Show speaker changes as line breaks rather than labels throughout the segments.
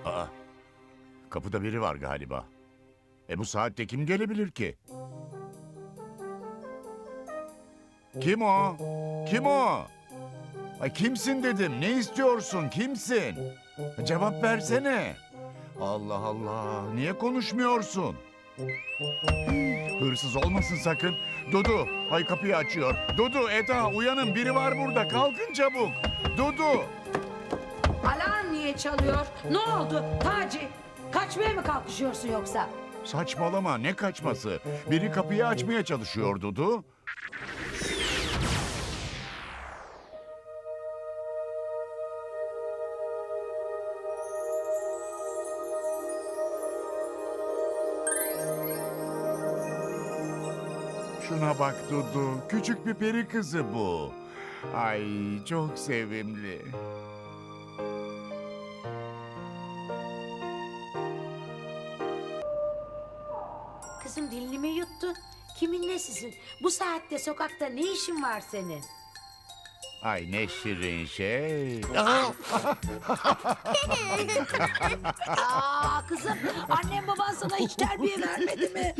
Aa, kapıda biri var galiba. Bu saatte kim gelebilir ki? Kim o? Kim o? Ay, kimsin dedim. Ne istiyorsun? Kimsin? Cevap versene. Allah Allah. Niye konuşmuyorsun? Hırsız olmasın sakın. Dudu, ay kapıyı açıyor. Dudu, Eda, uyanın. Biri var burada. Kalkın çabuk. Dudu.
Alarm niye çalıyor? Ne oldu Taci? Kaçmaya mı kalkışıyorsun yoksa?
Saçmalama, ne kaçması? Biri kapıyı açmaya çalışıyor Dudu. Şuna bak Dudu, küçük bir peri kızı bu. Ay, çok sevimli.
Kızım dilini mi yuttun? Kimin nesisin? Bu saatte sokakta ne işin var senin?
Ay ne şirin şey.
Aa kızım, annem baban sana hiç terbiye vermedi mi?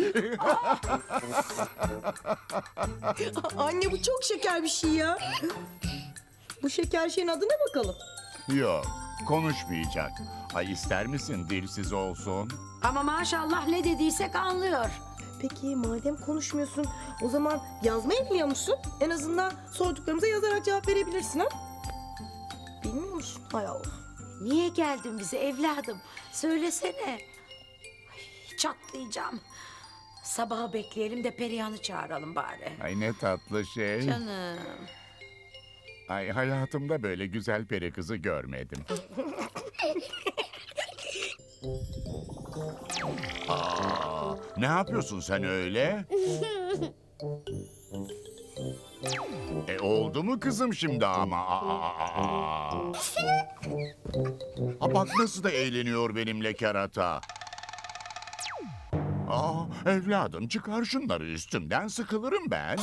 Anne bu çok şeker bir şey ya. Bu şeker şeyin adı ne bakalım?
Yok, konuşmayacak. Ay ister misin dilsiz olsun?
Ama maşallah ne dediysek anlıyor.
Peki madem konuşmuyorsun o zaman yazmayı biliyor musun? En azından sorduklarımıza yazarak cevap verebilirsin ha? Bilmiyor musun? Hay Allah.
Niye geldin bize evladım? Söylesene. Ay, çatlayacağım. Sabahı bekleyelim de Perihan'ı çağıralım bari.
Ay ne tatlı şey.
Canım.
Ay hayatımda böyle güzel peri kızı görmedim. Aa, ne yapıyorsun sen öyle? Oldu mu kızım şimdi ama? Bak nasıl da eğleniyor benimle kerata. Evladım çıkar şunları üstümden, sıkılırım ben.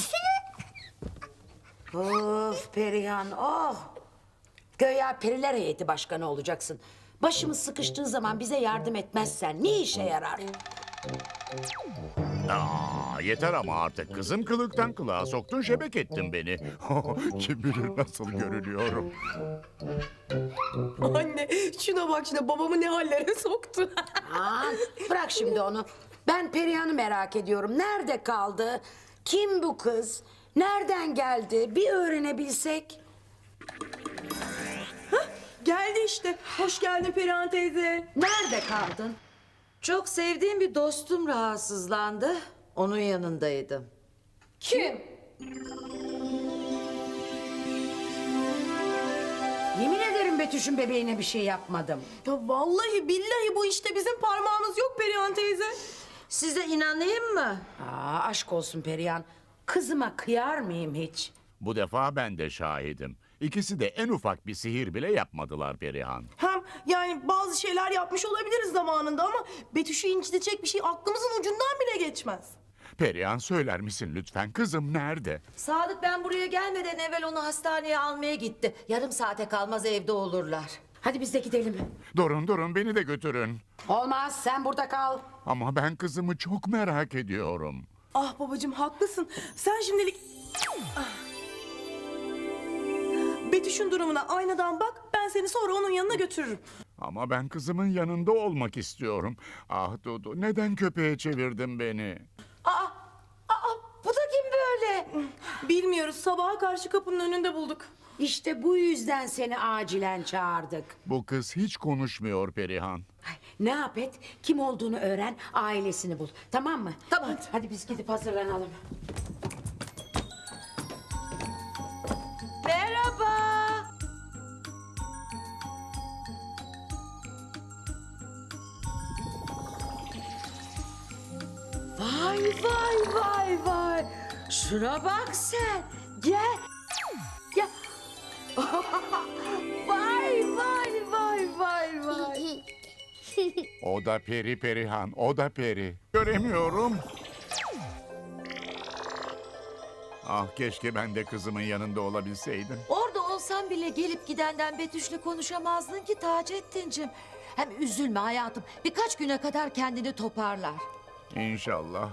Of Perihan, oh! Göya periler heyeti başkanı olacaksın. Başımız sıkıştığı zaman bize yardım etmezsen ne işe yarar?
Yeter ama artık kızım, kılıktan kılığa soktun, şebek ettin beni. Kim bilir nasıl görünüyorum.
Anne şuna bak şuna babamı ne hallere soktu.
Aman bırak şimdi onu. Ben Perihan'ı merak ediyorum. Nerede kaldı? Kim bu kız? Nereden geldi? Bir öğrenebilsek.
Geldi işte. Hoş geldin Perihan teyze.
Nerede kaldın?
Çok sevdiğim bir dostum rahatsızlandı. Onun yanındaydım.
Kim? Yemin ederim Betüş'ün bebeğine bir şey yapmadım.
Ya vallahi billahi bu işte bizim parmağımız yok Perihan teyze.
Size inanayım mı?
Aşk olsun Perihan. Kızıma kıyar mıyım hiç?
Bu defa ben de şahidim. İkisi de en ufak bir sihir bile yapmadılar Perihan.
Hem yani bazı şeyler yapmış olabiliriz zamanında ama Betüş'ü incitecek bir şey aklımızın ucundan bile geçmez.
Perihan söyler misin lütfen, kızım nerede?
Sadık ben buraya gelmeden evvel onu hastaneye almaya gitti. Yarım saate kalmaz evde olurlar.
Hadi biz de gidelim.
Durun beni de götürün.
Olmaz sen burada kal.
Ama ben kızımı çok merak ediyorum.
Ah babacığım haklısın. Sen şimdilik... Ah. Betüş'ün durumuna aynadan bak. Ben seni sonra onun yanına götürürüm.
Ama ben kızımın yanında olmak istiyorum. Ah Dudu, neden köpeğe çevirdin beni?
Bu da kim böyle?
Bilmiyoruz. Sabaha karşı kapının önünde bulduk.
İşte bu yüzden seni acilen çağırdık.
Bu kız hiç konuşmuyor Perihan.
Ay, ne yap et? Kim olduğunu öğren, ailesini bul. Tamam mı?
Tamam.
Hadi biz gidip hazırlanalım.
Merhaba. Vay vay vay vay. Şuna bak sen. Gel. Ya. Vay vay vay vay vay.
O da peri Perihan, o da peri. Göremiyorum. Ah keşke ben de kızımın yanında olabilseydim.
Orada olsa olsan bile gelip gidenden Betüş'le konuşamazdın ki Taceddin'cim. Hem üzülme hayatım. Birkaç güne kadar kendini toparlar.
İnşallah.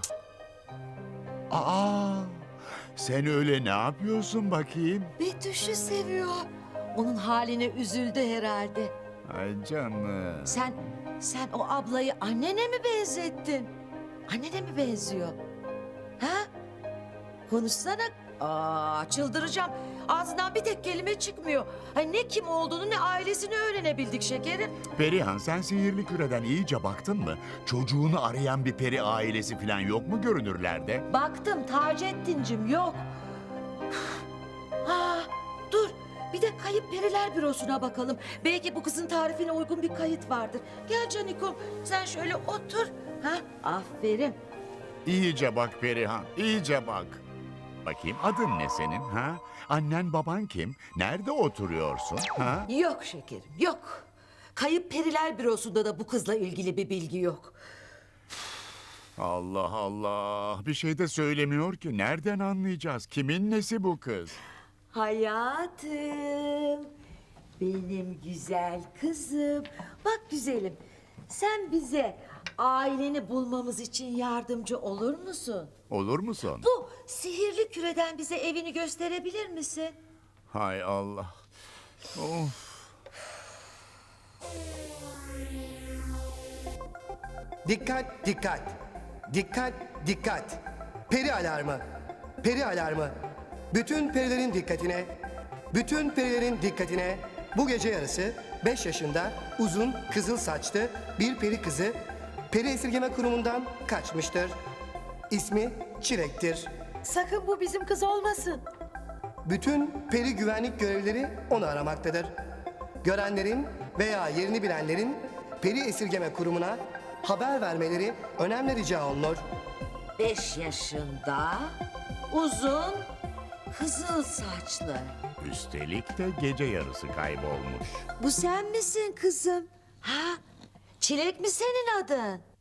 Aa, sen öyle ne yapıyorsun bakayım?
Betüş'ü seviyor. Onun haline üzüldü herhalde.
Ay canım.
Sen o ablayı annene mi benzettin? Annene mi benziyor? Ha? Konuşsana. Aa, çıldıracağım. Ağzından bir tek kelime çıkmıyor. Ay, ne kim olduğunu ne ailesini öğrenebildik şekerim.
Perihan, sen sihirli küreden iyice baktın mı? Çocuğunu arayan bir peri ailesi falan yok mu görünürlerde?
Baktım Taceddin'cim, yok. Ha, dur. Bir de kayıp periler bürosuna bakalım. Belki bu kızın tarifine uygun bir kayıt vardır. Gel Canikom, sen şöyle otur. Ha, aferin.
İyice bak Perihan, iyice bak. Bakayım adın ne senin ha? Annen baban kim? Nerede oturuyorsun ha?
Yok şekerim, yok. Kayıp periler bürosunda da bu kızla ilgili bir bilgi yok.
Allah Allah, bir şey de söylemiyor ki. Nereden anlayacağız? Kimin nesi bu kız?
Hayatım, benim güzel kızım. Bak güzelim, sen bize aileni bulmamız için yardımcı olur musun?
Olur musun?
Bu sihirli küreden bize evini gösterebilir misin?
Hay Allah. Of.
Dikkat, dikkat. Dikkat, dikkat. Peri alarmı. Peri alarmı. Bütün perilerin dikkatine. Bütün perilerin dikkatine. Bu gece yarısı 5 yaşında uzun kızıl saçlı bir peri kızı peri esirgeme kurumundan kaçmıştır. İsmi Çilek'tir.
Sakın bu bizim kız olmasın.
Bütün peri güvenlik görevlileri onu aramaktadır. Görenlerin veya yerini bilenlerin peri esirgeme kurumuna haber vermeleri önemli rica olunur.
5 yaşında, uzun, kızıl saçlı.
Üstelik de gece yarısı kaybolmuş.
Bu sen misin kızım? Ha? Çilek mi senin adın?